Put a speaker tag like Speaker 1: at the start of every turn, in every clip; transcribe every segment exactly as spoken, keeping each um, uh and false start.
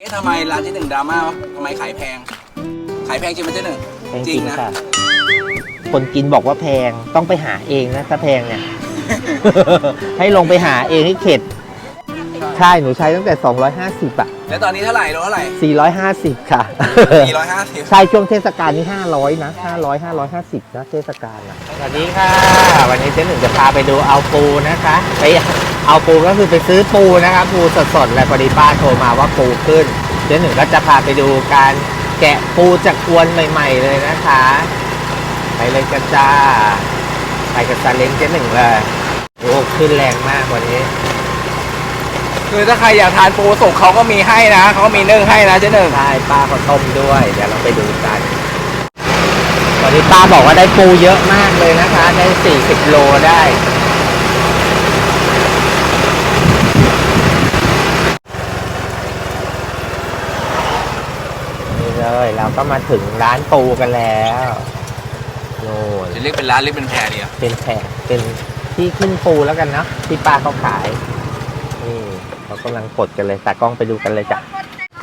Speaker 1: ทำไมร้านเจ๊หนึ่งดราม่าวะทำไมขายแพงขายแพงจริงไหมเจ๊หนึ่งจริงนะ
Speaker 2: คนกินบอกว่าแพงต้องไปหาเองนะถ้าแพงเนี่ย ให้ลงไปหาเองให้เข็ดใช่หนูใช้ตั้งแต่สองร้อยห้าสิบอะ
Speaker 1: แล้วตอนนี้เท่าไหร่โลเท่าไหร่
Speaker 2: สี่ร้อยห้าสิบค่ะ
Speaker 1: สี่ร้อยห้าสิบ
Speaker 2: ใช่ช่วงเทศกาลนี่ห้าร้อยนะห้าร้อย ห้าร้อยห้าสิบนะเทศกาลนะสวัสดีค่ะวันนี้เจ๊หนึ่งจะพาไปดูเอาปูนะคะไปเอาปูก็คือไปซื้อปูนะคะปูสดๆเลยพอดีป้าโทรมาว่าปูขึ้นเจ๊หนึ่งก็จะพาไปดูการแกะปูจากอวนใหม่ๆเลยนะคะไปเลยกันจ้าไปกับซาเล้งเจ๊หนึ่งเลยโอ้ขึ้นแรงมากวันนี้
Speaker 1: คือถ้าใครอยากทานปูสุกเขาก็มีให้นะเขาก็มีนึ่งให้นะเจ๊หนึ่ง
Speaker 2: ใช่ป้าเขาต้มด้วยเดี๋ยวเราไปดูกันวันนี้ป้าบอกว่าได้ปูเยอะมากเลยนะคะได้สี่สิบโลได้นี่เลยเราก็มาถึงร้านปูกันแล้วโน่น
Speaker 1: จะเรียกเป็นร้านเรียกเป็นแพรดีอะ
Speaker 2: เป็นแพรเป็นที่ขึ้นปูแล้วกันเนาะที่ป้าเขาขายนี่เรากำลังกดกันเลยตากล้องไปดูกันเลยจ้ะ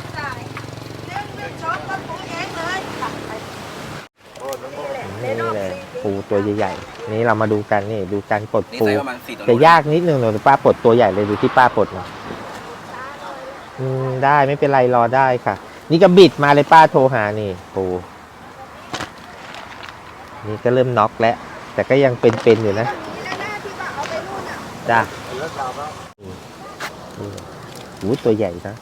Speaker 2: นี่เลยปูตัวใหญ่ๆนี่เรามาดูกันนี่ดูการปลดปูจะยากนิดนึงหนูป้าปลดตัวใหญ่เลยดูที่ป้าปลดหน่อยอืมได้ไม่เป็นไรรอได้ค่ะนี่ก็บิดมาเลยป้าโทรหานี่ปูนี่ก็เริ่มน็อกแล้วแต่ก็ยังเป็นๆอยู่นะจ้าโอ้ตัวใหญ่นะ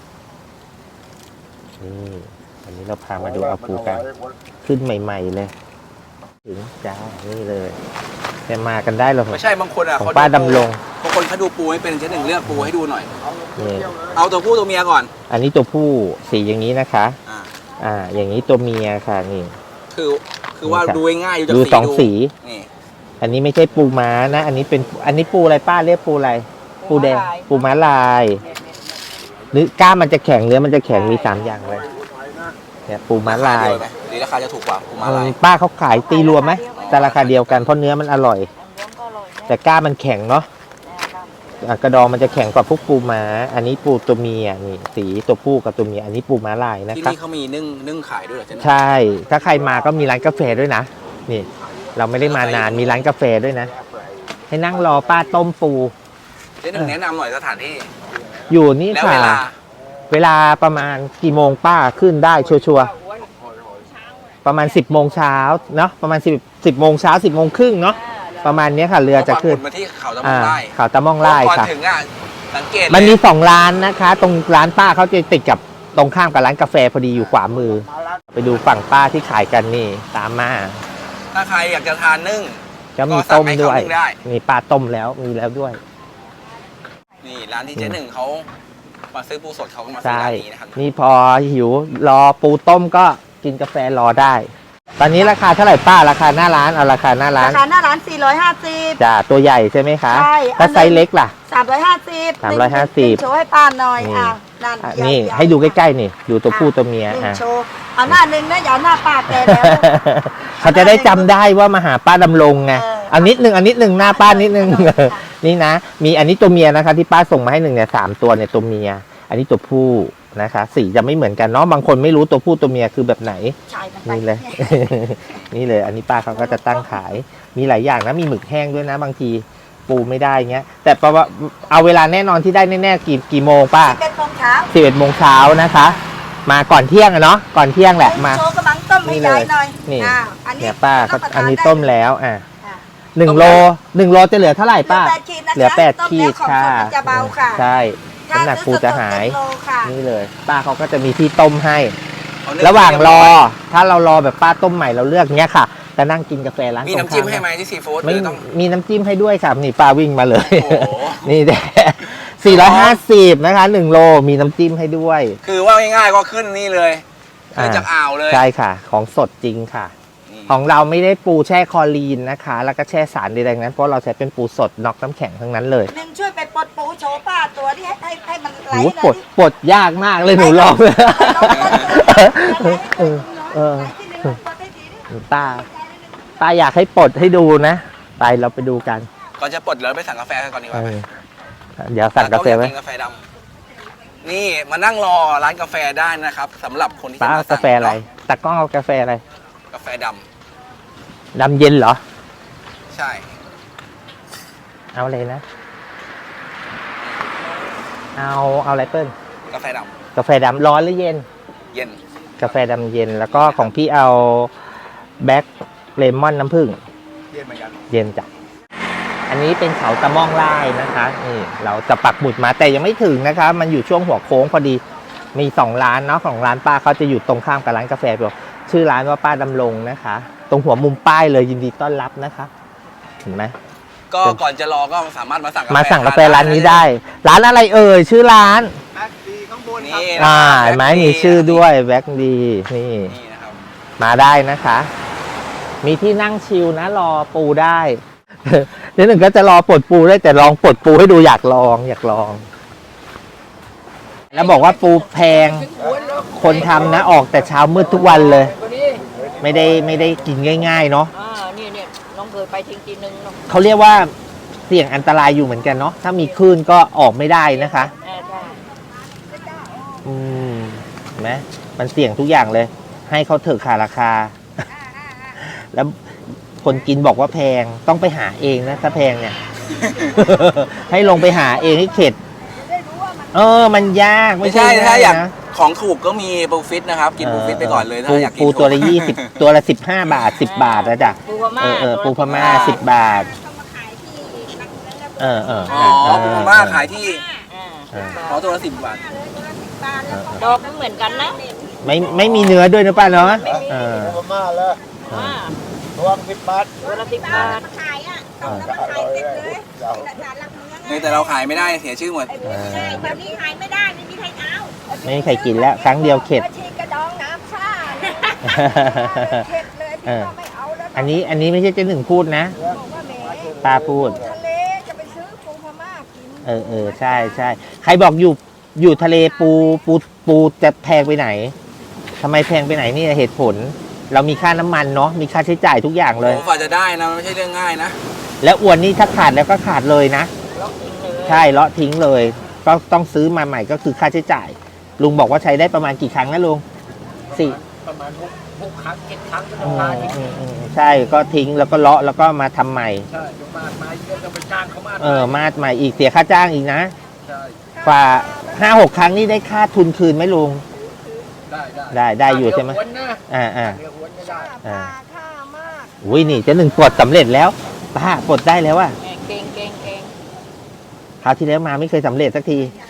Speaker 2: นี่อันนี้เราพามาดูเอาปูกันขึ้นใหม่ๆเลยถึงจ้านี่เลยแต่มากันได้หรอ
Speaker 1: ไม่ใช่บางคนอ่ะ
Speaker 2: ของป้าดำรง
Speaker 1: บางคนเขาดูปูให้เป็นเจ๊หนึ่งเลือกปูให้ดูหน่อยเอาตัวผู้ตัวเมียก่อน
Speaker 2: อันนี้ตัวผู้สีอย่างนี้นะคะอ่าอ่าอย่างนี้ตัวเมียค่ะนี่
Speaker 1: คือคือว่าดูง่าย
Speaker 2: ดูสองสีนี่อันนี้ไม่ใช่ปูม้านะอันนี้เป็นอันนี้ปูอะไรป้าเรียกปูอะไรปูแดงปูม้าลายหรือก้ามมันจะแข็งเนื้อมันจะแข็งมีสามอย่างเลยเนี่ยปูม้าลาย
Speaker 1: หรือราคาจะถูกกว่าปูม้าลาย
Speaker 2: ป้าเขาขายตีรวมไหมแต่ราคาเดียวกันเพราะเนื้อมันอร่อยแต่ก้ามันแข็งเนาะกระดองมันจะแข็งกว่าพวกปูม้าอันนี้ปูตัวเมียนี่สีตัวผู้กับตัวเมียอันนี้ปูม้าลายนะครับ
Speaker 1: ที่นี่เขามีนึ่งนึ่งขายด้วยเหรอ
Speaker 2: ใช่ถ้าใครมาก็มีร้านกาแฟด้วยนะนี่เราไม่ได้มานานมีร้านกาแฟด้วยนะให้นั่งรอป้าต้มปู
Speaker 1: เจ๊หนึ่งแนะนำหน่อยสถานที่
Speaker 2: อยู่นี่ค่ะเวลาประมาณกี่โมงป้าขึ้นได้ชัวร์ประมาณสิบโมงเช้าเนาะประมาณสิบสิบโมงเช้าสิบโมงครึ่งเนาะประมาณนี้ค่ะเรือจะขึ้น
Speaker 1: มาที่เขาตะมองไร่
Speaker 2: เขาตะมองไร่ค่ะ
Speaker 1: ถึงอ่ะสังเกต
Speaker 2: มันมีสองร้านนะคะตรงร้านป้าเขาจะติดกับตรงข้ามกับร้านกาแฟพอดีอยู่ขวามือไปดูฝั่งป้าที่ขายกันนี่ตามมา
Speaker 1: ถ้าใครอยากจะทานนึ่ง
Speaker 2: จะมีต้มด้วยมีปลาต้มแล้วมีแล้วด้วย
Speaker 1: นี่ร้านที่เจ๊หนึ่งเขามาซื้อปูสดเขาก็มาซื้อร้านนี้นะครับ
Speaker 2: นี่พอหิวรอปูต้มก็กินกาแฟรอได้ตอนนี้ราคาเท่าไหร่ป้าราคาหน้าร้านเอาราคาหน้าร้าน
Speaker 3: ราคาหน้าร้านสี่ร้อยห้าสิบ
Speaker 2: จ้าตัวใหญ่ใช่ไหมคะใช่ถ้าไซส์เล็กล่ะ
Speaker 3: สามร้อยห้าสิบ
Speaker 2: สามร้อยห้าสิบ
Speaker 3: โชว์ให้ป้าหน่อยอ่ะ
Speaker 2: นี่ให้ดูใกล้ๆนี่ดูตัวผู้ตัวเมีย
Speaker 3: อ่ะโชว์เอาหน้าหนึ่งนะอย่าหน้าป้าแกแล้ว
Speaker 2: เขาจะได้จำได้ว่ามาหาป้าดำรงไงอันนิดหนึ่งอันนิดหนึ่งหน้าป้านิดหนึ่งนี่นะมีอันนี้ตัวเมียนะคะที่ป้าส่งมาให้หนึ่งเนี่ยสามตัวเนี่ยตัวเมียอันนี้ตัวผู้นะคะสีจะไม่เหมือนกันเนาะบางคนไม่รู้ตัวผู้ตัวเมียคือแบบไหนนี่เลยนี่เลยอันนี้ป้าเขาก็จะตั้งขายมีหลายอย่างนะมีหมึกแห้งด้วยนะบางทีปูไม่ได้เงี้ยแต่ประว่าเอาเวลาแน่นอนที่ได้แน่ๆกี่กี่โมงป้า
Speaker 3: สิบเอ็ดโมงเช้า
Speaker 2: สิบเอ็ดโมงเช้านะคะมาก่อนเที่ยงอะเนาะก่อนเที่ยงแหละมา
Speaker 3: โชว์กำลังต้มให้ยายหน่อย
Speaker 2: นี่เนี่ยป้าอันนี้ต้มแล้วอ่ะหนึ่งโลหนึ่งโลจะเหลือเท่าไหร่ป้าเหลือแปดขีดค่ะใช่น้ำหนักปูจะหายนี่เลยป้าเขาก็จะมีที่ต้มให้ระหว่างรอถ้าเรารอแบบป้าต้มใหม่เราเลือกเนี้ยค่ะจะนั่งกินกาแฟร้าน
Speaker 1: มีน้ำจิ้มให้ไหมที่ซีฟู้ด
Speaker 2: ไม่มีน้ำจิ้มให้ด้วยค่ะนี่ป้าวิ่งมาเลยนี่แหละสี่ร้อยห้าสิบนะคะหนึ่งโลมีน้ำจิ้มให้ด้วย
Speaker 1: คือว่าง่ายๆก็ขึ้นนี่เลยขึ้นจากอ่าวเลย
Speaker 2: ใช่ค่ะของสดจริงค่ะของเราไม่ได้ปูแช่คลอรีนนะคะแล้วก็แช่สารใดๆนั้นเพราะเราใช้เป็นปูสดน็อกน้ำแข็งทั้งนั้นเลย
Speaker 3: หนึ่งช่วยไปปลดปูโชว์ป้าตัวที่ให้ให้มันไหล
Speaker 2: เลยปลดปลดยากมากเลยหนูลองเลยป้าป้าอยากให้ปลดให้ดูนะไปเราไปดูกัน
Speaker 1: ก่อนจะปลดเราไปสั่งกาแฟกันก่อนดีกว่า
Speaker 2: เดี๋ยวสั่งกาแฟไว้
Speaker 1: กาแฟดนี่มานั่งรอร้านกาแฟได้นะครับสำหรับคนที่
Speaker 2: ป้า
Speaker 1: จะ
Speaker 2: เอา
Speaker 1: มาก
Speaker 2: าแฟอะไรตากล้องเอากาแฟอะไร
Speaker 1: กาแฟด
Speaker 2: ดำเย็นเหรอ
Speaker 1: ำใช่
Speaker 2: เอาอะไรนะ เอาเอาอะไรเปิ้ล
Speaker 1: กาแฟด
Speaker 2: กาแฟดำร้อนหรือเย็น
Speaker 1: ำเย็น
Speaker 2: กาแฟดำเย็นแล้วก็ของพี่เอาแบล็คเลมอนน้ำผึ้ง
Speaker 1: เย็นเหมือนกัน
Speaker 2: เย็นจ้ะอันนี้เป็นเขาตะม่องไล่นะคะนี่เราจะปักหมุดมาแต่ยังไม่ถึงนะคะ มันอยู่ช่วงหัวโค้งพอดีมีสองร้านเนาะของร้านป้าเขาจะอยู่ตรงข้ามกับร้านกาแฟชื่อร้านว่าป้าดำรงนะคะ ตรงหัวมุมป้ายเลยยินดีต้อนรับนะคะเห็นไหม
Speaker 1: ก็ก่อนจะรอก็สามารถมาสั่ง
Speaker 2: มาสั่งกาแฟร้านนี้ได้ ร้านอะไรเอ่ยชื่อร้าน
Speaker 1: แบ็คดีข้างบนนี่
Speaker 2: อ่าเห็นไหมมีชื่อด้วยแบ็คดีนี่
Speaker 1: นี่นะครับ
Speaker 2: มาได้นะคะ มีที่นั่งชิลนะรอปูได้ เดี๋ยวหนึ่งก็จะรอปลดปูได้แต่ลองปลดปูให้ดูอยากลอง อยากลอง แล้วบอกว่าปูแพง คนทำนะออกแต่เช้ามืดทุกวันเลย ไม่ได้ไม่ได้กินง่ายๆเนาะ
Speaker 4: อ่านี่เนี่ยน้องเคยไปทิ้งทีนึงเนาะ
Speaker 2: เขาเรียกว่าเสี่ยงอันตรายอยู่เหมือนกันเนาะถ้ามีคลื่นก็ออกไม่ได้นะคะ
Speaker 4: อ่าใช่
Speaker 2: อืมเห็นไหมมันเสี่ยงทุกอย่างเลย ให้เขาเถอะขาราคา แล้วคนกินบอกว่าแพงต้องไปหาเองนะถ้าแพงเนี่ย ให้ลงไปหาเองให้เข็ด เออ มันยาก
Speaker 1: ไม่ใช่ถ้าอยาก
Speaker 2: นะ
Speaker 1: ของถูกก็มีปูฟิตนะครับ กินปูฟิตไปก่อนเลยถ้าอยากกิน
Speaker 2: ปูตัวละยี่สิบตัวละสิบห้าบาทสิบบาทนะจ๊ะ
Speaker 4: ปูพม่า
Speaker 2: เออเออปูพม่าสิบบาท เออเออ
Speaker 1: อ๋อปูพม่าขายที่
Speaker 4: อ่า
Speaker 2: เออ
Speaker 1: ขอตัวละสิบบาท
Speaker 2: เออ
Speaker 4: ดอกไม่เหมือนกันนะ
Speaker 2: ไม่ไม่มีเนื้อด้วยนะป้าเนาะเออ
Speaker 5: พม่าแล้ว
Speaker 4: อ่า
Speaker 5: ตัวสิบบาท
Speaker 4: ตัวละสิบบาท
Speaker 3: ขายอ่ะต้องแล้วมันขายเต็มเลยหลักฐานหลักเมือง
Speaker 1: นี่แต่เราขายไม่ได้เสียชื่อหมด
Speaker 2: เออ
Speaker 3: ใช่แบบนี้ขายไม่ได้ไม่มีใครเอา
Speaker 2: ไม่มีใครกินแล้วครั้งเดียวเข็ด
Speaker 3: ชีกระดองน้ำชาเข็ดเลยพี่ก็ไม่เอาแล้ว
Speaker 2: อันนี้อันนี้ไม่ใช่เจ๊หนึ่งพูดนะ
Speaker 3: บอกว่าแหม
Speaker 2: ป้าพูด
Speaker 3: ทะเลจะไปซื้อปูพม่ากิน
Speaker 2: เออเออใช่ใช่ใครบอกอยู่อยู่ทะเลปูปูปูจะแพงไปไหนทำไมแพงไปไหนนี่เหตุผล เรามีค่าน้ำมันเนาะมีค่าใช้จ่ายทุกอย่างเลย
Speaker 1: โอ้ฝ่าจะได้นะมันไม่ใช่เรื่องง่ายนะ
Speaker 2: แล้วอวนนี่ถ้าขาดแล้วก็ขาดเลยนะ
Speaker 4: ล็อกทิ้งเลย
Speaker 2: ใช่เลาะทิ้งเลย ก็ต้องซื้อมาใหม่ก็คือค่าใช้จ่าย ลุงบอกว่าใช้ได้ประมาณกี่ครั้งนะลุงสี่
Speaker 5: ประมาณหกหกครั้งเจ็ดครั้งก็
Speaker 2: อื
Speaker 5: ต้อง
Speaker 2: ม
Speaker 5: พาทิ้ง
Speaker 2: อืมอืมใช่ก็ทิ้งแล้วก็เลาะแล้วก็มาทำใหม่
Speaker 5: ใช่เดี๋ยวมามาเยอะจะไปจ้างเขามา
Speaker 2: เออมาดใหม่อีกเสียค่าจ้างอีกนะ
Speaker 5: ใช่
Speaker 2: กว่าห้าหกครั้งนี่ได้ค่าทุนคืนไหมลุง
Speaker 5: ได้ได้
Speaker 2: ได้ได้อยู่ใช่ไหม
Speaker 5: เดี๋ววนนะ
Speaker 2: อ่าอ่า
Speaker 5: เดี๋ยววนไม่ได้
Speaker 3: ปลาค่ามาก
Speaker 2: อุ้ยนี่เจะหนึ่งปลดสำเร็จแล้วป้าปลดได้แล้วว่ะ
Speaker 4: แหม่เก่งเก่งเก่ง
Speaker 2: คราวที่แล้วมาไม่เคยสำเร็จสักที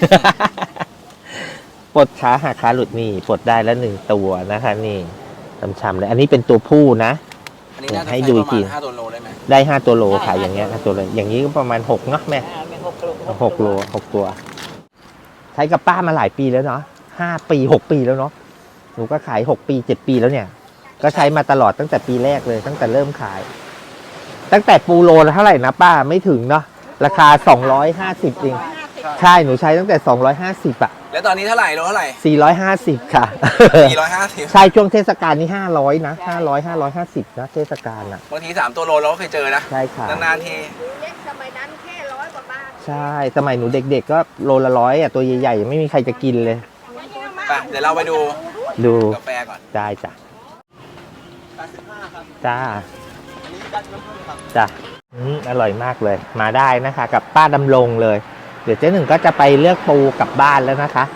Speaker 2: ปลดขาหักขาหลุดนี่ปลดได้แล้วหนึ่งตัวนะคะนี่ช้ำๆเลยอันนี้เป็นตัวผู้นะ
Speaker 1: อันนี้น่าจะ
Speaker 2: ให้
Speaker 1: ใช้
Speaker 2: ดู
Speaker 1: ป
Speaker 2: อี
Speaker 1: ระ
Speaker 2: กที
Speaker 1: มาณห้าตัวโลได้ไหม
Speaker 2: ได้ห้าตัวโลขายอย่างเงี้ยห้าตัวเลยอย่างนี้ก็ประมาณหกเนาะแม่
Speaker 4: อ่าเป็นหกโล
Speaker 2: หกโลหกตัว ใช้กับป้ามาหลายปีแล้วเนาะห้าปีหกปีแล้วเนาะหนูก็ขายหกปีเจ็ดปีแล้วเนี่ย ก็ใช้มาตลอดตั้งแต่ปีแรกเลยตั้งแต่เริ่มขาย ตั้งแต่ปูโลละเท่าไหร่นะป้าไม่ถึงเนาะราคาสองร้อยห้าสิบเองใช่หนูใช้ตั้งแต่สองร้อยห้าสิบอะ
Speaker 1: แล้วตอนนี้เท่าไหร่โลเท่าไหร่
Speaker 2: สี่ร้อยห้าสิบค่ะ
Speaker 1: สี่ร้อยห้าสิบ
Speaker 2: ใช่ช่วงเทศกาลนี่ห้าร้อยนะห้าร้อยห้าร้อยห้าสิบนะเทศกาลอ่ะ
Speaker 1: บางทีสามตัวโลเราก็เคยเจอนะ
Speaker 2: ใช่ค่ะ
Speaker 1: นานๆที
Speaker 3: เล็กสมัยนั้นแค่ร้อยกว่าบาท
Speaker 2: ใช่สมัยหนูเด็กๆก็โลละร้อยอ่ะตัวใหญ่ๆไม่มีใครจะกินเลย
Speaker 1: ไปเดี๋ยวเราไปดู
Speaker 2: ดู
Speaker 1: กาแฟก่อน
Speaker 2: ได้จ้ะ
Speaker 5: แปดสิบห้าครับ
Speaker 2: จ้า
Speaker 5: อันนี้ดันน้ำผึ้งครับ
Speaker 2: จ้ะอืมอร่อยมากเลย มาได้นะคะ กับป้าดำรงเลย เดี๋ยวเจ๊หนึ่งก็จะไปเลือกปูกลับบ้านแล้วนะคะ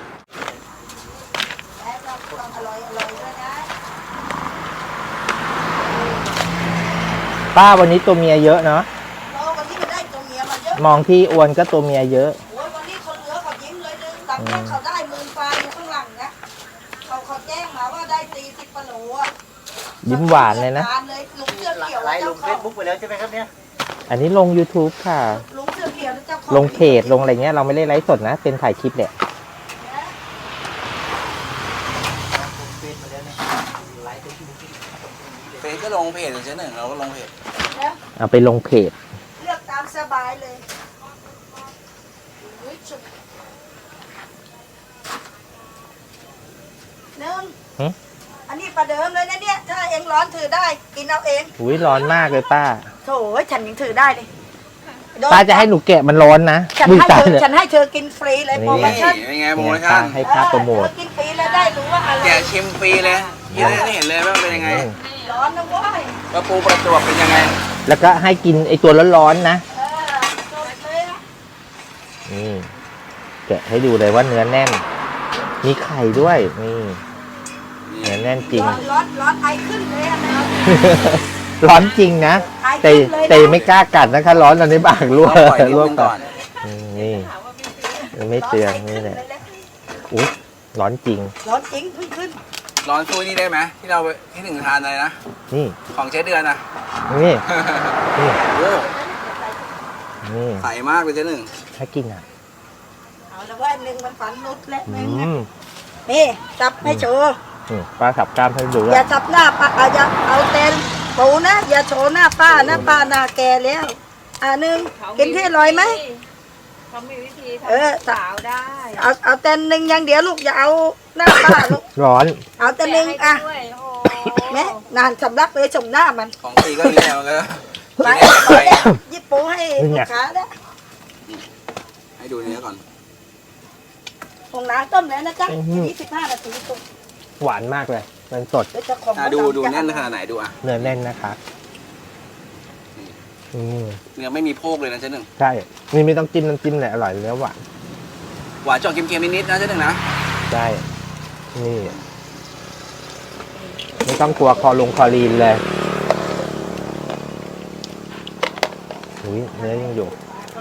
Speaker 3: และเราต้องอร่อยอร่อยด้วยนะ
Speaker 2: ป้าวันนี้ตัวเมียเยอะเนาะ
Speaker 3: โอ้วันนี้มันได้ตัวเมียมาเยอะ
Speaker 2: มองที่อวนก็ตัวเมียเยอะ
Speaker 3: โอ้ยวันนี้คนเหลือเขายิ้มเลยนึงตังค์เขาได้หมื่นปลายอยู่ข้างหลังนะเขาเขาแจ้งมาว่าได้สี่สิบปะโหลอ่ะ
Speaker 2: ยิ้มหวานเลยนะ
Speaker 3: เลยลุงเสื้อเขียว
Speaker 5: ไลน์ล
Speaker 3: เจ้าง
Speaker 5: เฟ
Speaker 3: ของ
Speaker 5: ซบุ๊กไปแล้วใช่ไหมครับเนี่ย
Speaker 2: อันนี้ลง YouTube ค่ะ
Speaker 3: ลุงเสื้อเขียวเจ้าของ
Speaker 2: ลงเพจลงอะไรเงี้ยเราไม่ได้ไลฟ์สดนะ เป็นถ่ายคลิปแหละ
Speaker 1: เฟซก็ลงเพจเจ๊หนึ่งเราก็ลงเพจ
Speaker 3: แล้ว
Speaker 2: เอาไปลงเพจ
Speaker 3: เลือกตามสบายเลยอุ๊ยจุดหนึ่ง
Speaker 2: หึ
Speaker 3: อันนี้ประเดิมเลยนะเนี่ย ถ้าเองร้อนถือได้ กินเอาเอง
Speaker 2: อุ้ยร้อนมากเลยป้า
Speaker 3: โถ่ฉันยังถือได้เลย
Speaker 2: ป้าจะให้หนูแกะมันร้อนนะ
Speaker 3: ฉัน
Speaker 2: มือ
Speaker 3: ให้
Speaker 2: ตา
Speaker 3: เธอ
Speaker 2: เนี่ย
Speaker 3: ฉันให้เธอกินฟรีเลย
Speaker 2: นี่
Speaker 3: โปรโม
Speaker 1: นี่
Speaker 3: ชั่น
Speaker 1: เป็นไงโปร
Speaker 2: เนี่ย
Speaker 1: โมชั่
Speaker 2: ป้าน ให้ป้าโปรโมท
Speaker 3: เธอกินฟรีแล้วได้รู้ว่าอะไร
Speaker 1: แกะชิมฟรีเลยกินได้เห็นเลยว่าเป็นยังไง
Speaker 3: ร้อนนะเว้ย
Speaker 1: ว่าปูประจวบเป็นยังไง
Speaker 2: แล้วก็ให้กินไอตัวร้อนๆนะ
Speaker 3: เออจบเลยอะ
Speaker 2: นี่แกะให้ดูเลยว่าเนื้อแน่น มีไข่ด้วยนี่เนื้อแน่นจริง
Speaker 3: ร้อนร้อนร้อนไอขึ้นเลยอะนะ
Speaker 2: ร้อนจริงนะ
Speaker 3: ไอ
Speaker 2: แต่
Speaker 3: ขึ้นเลยนะ
Speaker 2: แต่ไม่กล้ากัดนะคะร้อนตอนนี้ปากรั่ว
Speaker 1: ต้องปล่อยนิด
Speaker 2: รั่ว
Speaker 1: นึง
Speaker 2: ก่
Speaker 1: ก่
Speaker 2: อ
Speaker 1: อน น
Speaker 2: อืมนี่ไม่เตือนนี่แหละอุ๊ยร้อนจริง
Speaker 3: ร้อนจริงขึ้นขึ้น
Speaker 1: ร้อนสู้นี่ได้ไหมที่เราที่หนึ่งทานอะไรนะ
Speaker 2: นี่
Speaker 1: ของเจ๊เดือนนะ
Speaker 2: นี่นี่
Speaker 1: โอ้
Speaker 2: นี่
Speaker 1: ใสมากเลยเจ๊หนึ่ง
Speaker 2: ถ้ากินอ่ะ
Speaker 3: เอาละว่าหนึ่งมันฝันนุดและห
Speaker 2: อื
Speaker 3: นึ่ง
Speaker 2: ม
Speaker 3: นี่จับให้โชว์
Speaker 2: นี่ป้าขับกล้ามให้ดูด้ว
Speaker 3: อย ย่าจับหน้าป้าเอาอย่าเอาเต็นปูนะอย่าโชว์หน้าป้านะป้าหน้าแก่แล้วอ่าหนึ่งกินที่อร่อยไหม
Speaker 4: เขามีวิธี
Speaker 3: เออ
Speaker 4: ทำสาวได้
Speaker 3: เอาเอาเต็นหนึ่งอย่างเดียวลูกอย่าเอาหน้าป้าลูก
Speaker 2: ร้อน
Speaker 3: เอาแต่หนึ่งอ่ะ
Speaker 4: แกให้ด้วยโอ้
Speaker 3: แม่นานสำลักเลยชมหน้ามัน
Speaker 1: ของฟรีก็นี่แหละมันก็
Speaker 3: ไป
Speaker 1: ไป
Speaker 3: ยิบปูให้ลูกค้าได้
Speaker 1: ให้ดูเนื้อก่อน
Speaker 3: ผงน้ำต้มแล้วนะจ๊ะยี่สิบห้านาทีตุก
Speaker 2: หวานมากเลย มันสด
Speaker 3: เดี๋ยวจะของ
Speaker 1: อ่ะดูดูแน่นขนาดไหนดูอ่ะ
Speaker 2: เนื้อแน่นนะคะอืม
Speaker 1: เนื้อไม่มีโพกเลยนะเจ๊หนึ่ง
Speaker 2: ใช่ นี่ไม่ต้องจิ้มน้ำจิ้มเลยอร่อยเนื้อหวาน
Speaker 1: หวานจอกเค็มๆนิดๆนะเจ๊หนึ่งนะ
Speaker 2: ใช่ นี่ ไม่ต้องกลัวคอลงคอลีนเลยอุ้ยเนื้อยังอยู่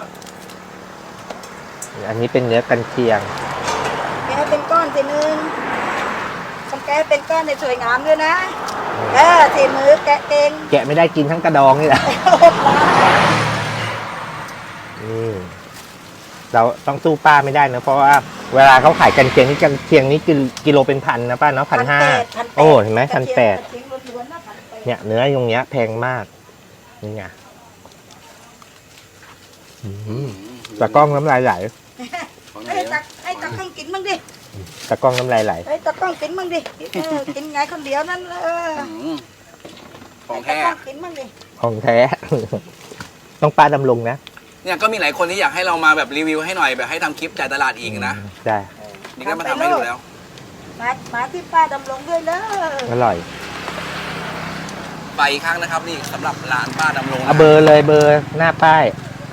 Speaker 2: อันนี้เป็นเนื้อกันเชียง
Speaker 3: แกเป็นก้อนทีนึงต้องแกเป็นก้อนในสวยงามด้วยนะเออทีมือแกะเอง
Speaker 2: แกะไม่ได้กินทั้งกระดองนี่แหละ นี่เราต้องสู้ป้าไม่ได้นะ เพราะว่าเวลาเขาขายกันเชียงนี่กันเชียงนี่กิโลกิโลเป็นพันนะป้าเนาะพันห้าโอ้เห็นไหมพันแปดเนี่ยเนื้อตรงเนี้ยแพงมากนี่ไงอืมตะกล้องน้ำลายไหล
Speaker 1: ของ
Speaker 3: ให้
Speaker 1: เนื้อ
Speaker 3: ตักให้ตักต้องกินบ้างดิ
Speaker 2: ตะกล้องน้ำลายไหล
Speaker 3: ให้ตักต้องกินบ้างดิเออกินไงคนเดียวนั่นเออ
Speaker 1: อืมของ
Speaker 3: ให้
Speaker 1: แท้
Speaker 3: ตักต้องกินบ้างดิ
Speaker 2: ของแท้ ต้องป้าดำรงนะ
Speaker 1: เนี่ยก็มีหลายคนที่อยากให้เรามาแบบรีวิวให้หน่อยแบบให้ทำคลิปจ่ายตลาดอีกนะ
Speaker 2: ใช่
Speaker 1: นี่ก็มาทำให้ดูแล้ว
Speaker 3: มามาที่ป้าดำรงด้วยเลย
Speaker 2: อร่อย
Speaker 1: ไปอีกครั้งนะครับนี่สำหรับร้านป้าดำรงนะ
Speaker 2: เอาเบอร์เลยเบอร์หน้าป้าย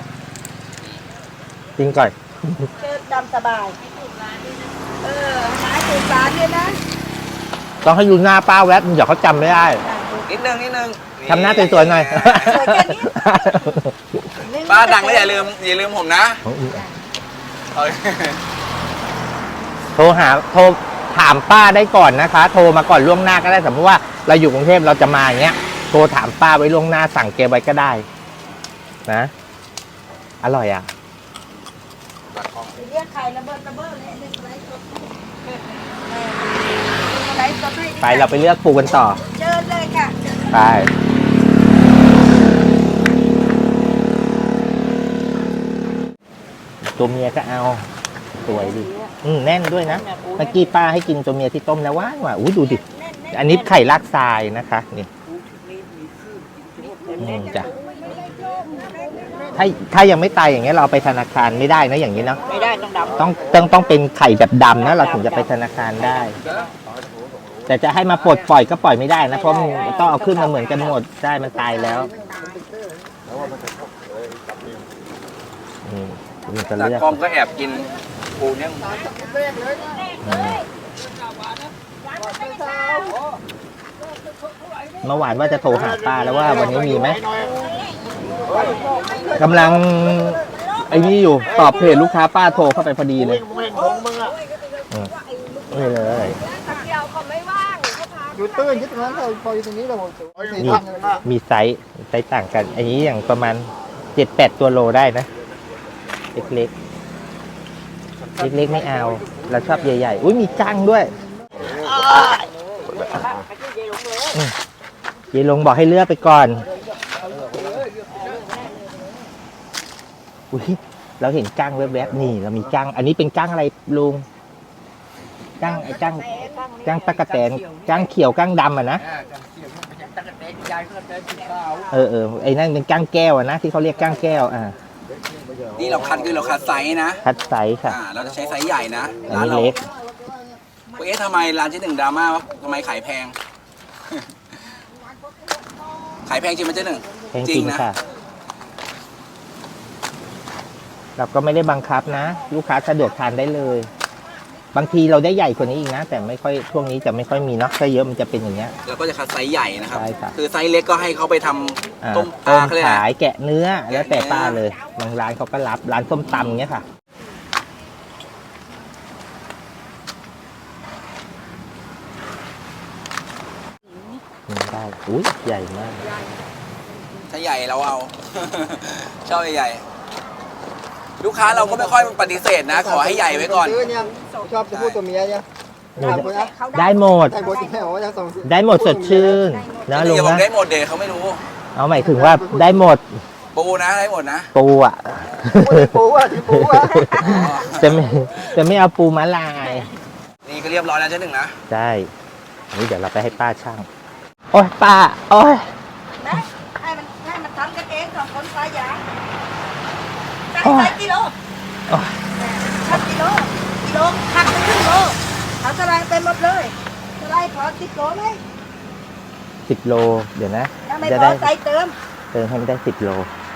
Speaker 2: จริงก่อน
Speaker 3: เชิญดำสบายเออหาถูกร้านด้วยนะ
Speaker 2: ต้องให้ดูหน้าป้าแวบเดี๋ยวเขาจำไม่ได้
Speaker 1: นิดนึงนิดนึง
Speaker 2: ทำหน้าสวยๆหน่อย
Speaker 3: สวยแค่นี้
Speaker 1: ป้าดังแล้วอย่าลืมอย่าลืมผมนะเอา
Speaker 2: โทรหาโทรถามป้าได้ก่อนนะคะ โทรมาก่อนล่วงหน้าก็ได้สมมติว่าเราอยู่กรุงเทพเราจะมาอย่างเงี้ยโทรถามป้าไว้ล่วงหน้าสั่งเกไว้ก็ได้ นะ อร่อยอ่ะ
Speaker 3: เรียกใครระเบิดระเบิดเลยหนึ่งไลฟ์สดเออไลฟ์สดให้
Speaker 2: ไปเราไปเลือกปูกันต่อ
Speaker 3: เชิญเลยค่ะเชิญ
Speaker 2: ไปตัวเมียก็เอาสวยดิอืมแน่นด้วยนะเมื่อกี้ป้าให้กินตัวเมียที่ต้มแล้วหว่านว่ะอุ้ยดูดิ อันนี้ไข่ลากทรายนะคะนี่อืมจ้ะถ้าถ้ายังไม่ตายอย่างเงี้ยเราเอาไปธนาคารไม่ได้นะอย่างนี้เนาะ
Speaker 4: ไม่ได้ต้องดำ
Speaker 2: ต้องต้องต้องเป็นไข่แบบดำนะเราถึงจะไปธนาคารได้ แต่จะให้มาปลดปล่อยก็ปล่อยไม่ได้นะเพราะมันต้องเอาขึ้นมาเหมือนกันหมดได้มันตายแล้วอืมมันจะ
Speaker 1: จาก
Speaker 2: เลือก
Speaker 1: กล้องก็แอบกินปูเนี่ย
Speaker 2: อืมเมื่อวานว่าจะโทรหาป้าแล้วว่าวันนี้มีไหมกำลังไอ้นี่อยู่ตอบเพจลูกค้าป้าโทรเข้าไปพอดีเลยอืมนี่เลย
Speaker 5: อยู่ตื้นยึดตรงนั้นเลยพออยู่ตรงนี้เราบอก
Speaker 2: นี่มีไซส์ไซส์ต่างกัน อันนี้อย่างประมาณเจ็ดแปดตัวโลได้นะ เล็กๆ เล็กๆไม่เอา เราชอบใหญ่ๆ อุ้ยมีจังด้วยอืมเยายลงบอกให้เลือกไปก่อน อุ้ยเราเห็นกั้งแวบๆนี่เรามีกั้งอันนี้เป็นกั้งอะไรลุงกั้งไอ้กั้งกั้งตะกะแตนกั้งเขียวกั้งดำอ่ะนะเออเออไอ้นั่นเป็นกั้งแก้วอ่ะนะที่เขาเรียกกั้งแก้วอ่า
Speaker 1: นี่เราคัดคือเราคัดไซส์นะ
Speaker 2: คัดไซส์ค่ะ
Speaker 1: อ่าเราจะใช้ไซส์ใหญ่นะ
Speaker 2: อัน
Speaker 1: ร้าน
Speaker 2: นี้
Speaker 1: เรา
Speaker 2: เล็ก
Speaker 1: เอ๊ะทำไมร้านเจ๊หนึ่งดราม่าวะทำไมขายแพง ขายแพงจริงไหมเจ๊หนึ่ง
Speaker 2: แพงจริง
Speaker 1: นะ
Speaker 2: ค่ะ เราก็ไม่ได้บังคับนะ ลูกค้าสะดวกทานได้เลย บางทีเราได้ใหญ่กว่านี้อีกนะ แต่ไม่ค่อยช่วงนี้จะไม่ค่อยมีเนาะถ้าเยอะมันจะเป็นอย่างเงี้ย
Speaker 1: เราก็จะคัดไซส์ใหญ่นะครับ
Speaker 2: ใช่ครับ
Speaker 1: คือไซส์เล็กก็ให้เขาไปทำ
Speaker 2: อ่า
Speaker 1: ต้มป
Speaker 2: ต้
Speaker 1: ลาม เขาเลยก
Speaker 2: ขา
Speaker 1: นะ
Speaker 2: ยแกะเนื้อแล้วแต่
Speaker 1: แกะเนื้อ
Speaker 2: ป้าเลยบางร้านเขาก็รับร้านส้มตำเงี้ยค่ะอืมได้อุ้ยใหญ่มาก
Speaker 1: ถ้าใหญ่เราเอา ชอบใหญ่ๆลูกค้าเราก็ไม่ค่อยปฏิเสธนะ ขอให้ใหญ่ไว้ก่อน
Speaker 5: ซื้เนี่ยชอบจะพูดตัวเมียเนี่ยถามคนนะ
Speaker 2: ได้หมด
Speaker 5: ใช่คนที่ให้บอกว่าจะส่ง
Speaker 2: ได้หมดสดชื่นนะลุง
Speaker 1: อย่าบอก
Speaker 2: นะ
Speaker 1: ได้หมดเดเขาไม่รู้
Speaker 2: เอาหมายถึงว่าได้หมด
Speaker 1: ปูนะได้หมดนะ
Speaker 2: ปูอ่ะ
Speaker 5: ปูอ่ะที่ปูอ่ะ
Speaker 2: จะไม่จะไม่เอาปูม้าลาย
Speaker 1: นี่ก็เรียบร้อยแล้วเจ๊หนึ่งนะ
Speaker 2: ได้นี่เดี๋ยวเราไปให้ป้าช่างโอ้ยป้าโอ้ย
Speaker 3: นะให้มันให้มันทำกันเองสองคนปลายางใส่ใส่กิโล
Speaker 2: โอ้ย
Speaker 3: ชักกิโลกิโลหักไปครึ่งโลเอาสลายไปหมดเลยสลายพอสิบโลไหม
Speaker 2: สิบโลเดี๋ยวนะ
Speaker 3: ถ้าไม่
Speaker 2: จะ
Speaker 3: พอ
Speaker 2: ได้
Speaker 3: ใส่เติม
Speaker 2: เติมให้มันได้สิบโล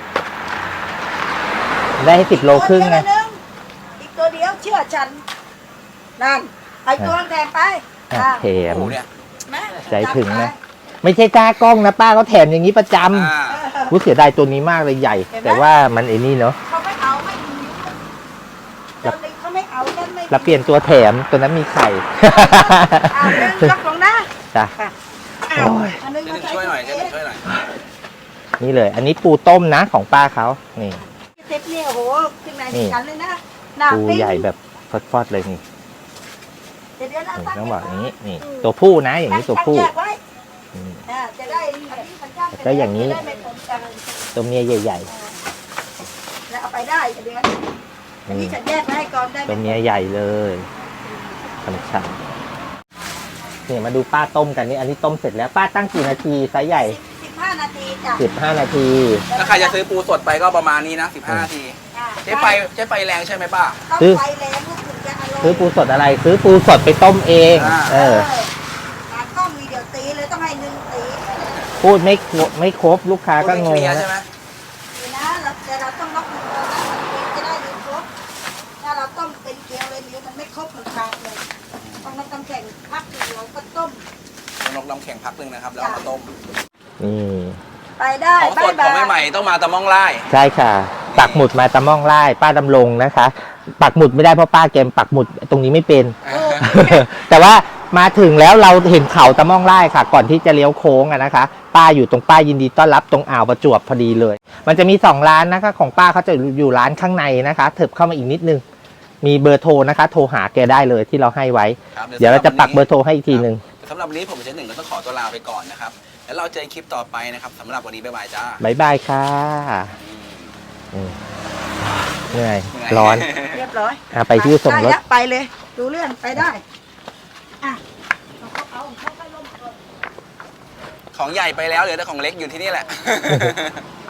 Speaker 2: ได้ให้สิบโลครึ่งไง
Speaker 3: ตัวเดียวนึงอีกตัวเดียวเชื่อฉันนั่นไอ้ตัวแถมไป
Speaker 2: อ่ะแถม
Speaker 1: โอ้โหเนี่ย
Speaker 3: แม่
Speaker 2: ใจถึงนะ ไม่ใช่จ้ากล้องนะป้าเขาแถมอย่างนี้ประจ
Speaker 1: อ่า
Speaker 2: ำรู้เสียดายตัวนี้มากเลยใหญ่ แต่ว่ามันไอ้นี่เนาะ
Speaker 3: เขาไม่เอาไม่มีเดี๋ยวนี้เขาไม่เอากันไม่
Speaker 2: เราเปลี่ยนตัวแถมตัวนั้นมีไข่
Speaker 3: เอาเรื่องยกลงนะ
Speaker 2: จ้ะ
Speaker 3: เอา
Speaker 2: โอ้ย
Speaker 3: อันนึง
Speaker 1: เจ๊หนึ่งช่วยหน่อยเจ๊หนึ่งช่วยหน่อย
Speaker 2: นี่เลย อันนี้ปูต้มนะของป้าเขานี่
Speaker 3: เซ็ตเนี่ยโอ้โหถึงไหน
Speaker 2: นี่
Speaker 3: ถึงกันเลยนะหน้า
Speaker 2: ปู
Speaker 3: ปิ้ง
Speaker 2: ใหญ่แบบฟอดๆเลยนี่
Speaker 3: เดี๋ยวเดี๋ยวนะ
Speaker 2: นี่ต้องบอกอย่างนี้นี่ ตัวผู้นะ อย่างนี้ตัวผู้
Speaker 3: แยกไว้
Speaker 2: อืม
Speaker 3: อ่าจะได้
Speaker 2: แล้วอย่างนี้
Speaker 3: นี้ไม่ปนกัน
Speaker 2: ตัวเมียใหญ่
Speaker 3: แล้วเอาไปได้เดือน
Speaker 2: ๆ
Speaker 3: อัน
Speaker 2: นี่
Speaker 3: นี้ฉันแยกไว้ให้ก่อนได้ไห
Speaker 2: ตัวเมียใหญ่เลยฉ่ำๆนี่มาดูป้าต้มกันนี่อันนี้ต้มเสร็จแล้วป้าตั้งกี่นาทีไซส์ใหญ่
Speaker 3: สิบห้านาทีจ้ะ
Speaker 2: สิบห้านาที
Speaker 1: ถ้าใครจะซื้อปูสดไปก็ประมาณนี้นะสิบห้านาที
Speaker 3: อ่า
Speaker 1: ใช้ไฟใช้ไฟแรงใช่ไหมป้า
Speaker 3: ต้อง
Speaker 2: ซื้อ
Speaker 3: ไฟแรงลูกถึงจะอร่อย
Speaker 2: ซื้อปูสดอะไร ซื้อปูสดไปต้มเอง
Speaker 1: อ่า
Speaker 2: เออ
Speaker 3: ตากล้องมีเดี๋ยวตีเลยต้องให้หนึ่งตี
Speaker 2: พูดไม่ครบไม่ครบลูกค้าก็งง
Speaker 1: เคลียร์
Speaker 2: นะ
Speaker 1: ใช่ไหม
Speaker 3: นี่นะเราแต่เราต้องล็อกหนึ่งตัวนะมันจะได้หนึ่งครบถ้าเราต้มเป็นเกลียวเลยเดี๋ยวมันไม่ครบมันขาดเลยต้องน้ำตำแข็งพักหนึ่งเราก็ต้ม
Speaker 1: ลงน้ำแข็งพักหนึ่งนะครับ แล้วเอามาต้ม
Speaker 2: นี่
Speaker 3: ไปได้
Speaker 1: ของสดของใหม่ๆต้องมาตะม่องไล่
Speaker 2: ใช่ค่ะ ปักหมุดมาตะม่องไล่ป้าดำรงนะคะ ปักหมุดไม่ได้เพราะป้าแกมปักหมุดตรงนี้ไม่เป็น แต่ว่ามาถึงแล้วเราเห็นเขาตะม่องไล่ค่ะ ก่อนที่จะเลี้ยวโค้งอะนะคะ ป้าอยู่ตรงป้ายยินดีต้อนรับตรงอ่าวประจวบพอดีเลย มันจะมีสองร้านนะคะ ของป้าเขาจะอยู่ร้านข้างในนะคะเถิบเข้ามาอีกนิดนึง มีเบอร์โทรนะคะ โทรหาแกได้เลยที่เราให้ไว้
Speaker 1: ครับ
Speaker 2: เดี๋ยวเราจะปักเบอร์โทรให้อีกทีหนึ่ง
Speaker 1: สำหรับวันนี้ผมเจ๊หนึ่งก็ต้องขอตัวลาไปก่อนนะครับ แล้วเราเจอคลิปต่อไปนะครับสำหรับวันนี้บ๊ายบายจ้า
Speaker 2: บายบายค่ะอืมเหนื่อย
Speaker 1: เหนื่อย
Speaker 2: ร้อน
Speaker 3: เรียบร้อย
Speaker 2: อ่ะไปที่ส่งรถ
Speaker 3: ได้แล้วไปเลยดูเรื่องไปได้อ่ะเอาเขาเอาเขาไปลงก่อน
Speaker 1: ของใหญ่ไปแล้วเหลือแต่ของเล็กอยู่ที่นี่แหละ